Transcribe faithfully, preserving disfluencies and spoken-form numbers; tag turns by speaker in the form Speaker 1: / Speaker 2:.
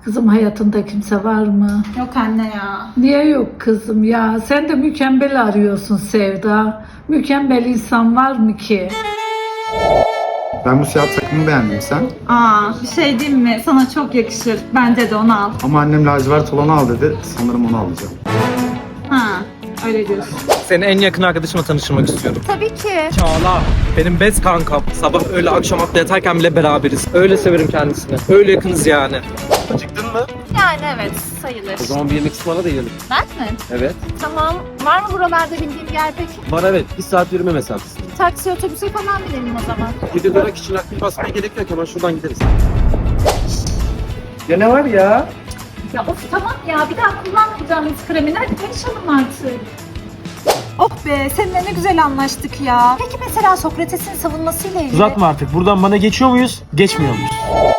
Speaker 1: Kızım hayatında kimse var mı?
Speaker 2: Yok anne ya.
Speaker 1: Niye yok kızım ya? Sen de mükemmel arıyorsun Sevda. Mükemmel insan var mı ki?
Speaker 3: Ben bu siyah takımı beğendim, sen?
Speaker 2: Aa, bir şey diyeyim mi? Sana çok yakışır. Bence de onu al.
Speaker 3: Ama annem lacivert olanı al dedi. Sanırım onu alacağım.
Speaker 2: Ha, öyle diyorsun.
Speaker 4: Seni en yakın arkadaşımla tanıştırmak istiyorum.
Speaker 2: Tabii ki.
Speaker 4: Çağla. Benim best kankam. Sabah öyle akşam hatta yatarken bile beraberiz. Öyle severim kendisini. Öyle yakınız yani. Acıktın mı?
Speaker 2: Yani evet, sayılır.
Speaker 4: O zaman bir yemek ısmarla da yiyelim.
Speaker 2: Ben mi?
Speaker 4: Evet.
Speaker 2: Tamam. Var mı buralarda bildiğim bir yer peki?
Speaker 4: Var evet. Bir saat yürüme mesafesi.
Speaker 2: Taksi, otobüse falan binelim o zaman.
Speaker 4: yedi lira için akbil basmaya gerek yok. Hemen şuradan gideriz. Ya ne var ya?
Speaker 2: Ya of tamam ya, bir daha kullanmayacağım yüz kremini. Hadi konuşalım artık. Oh be, seninle ne güzel anlaştık ya. Peki mesela Sokrates'in savunmasıyla ilgili...
Speaker 5: Uzatma artık. Buradan bana geçiyor muyuz? Geçmiyor muyuz?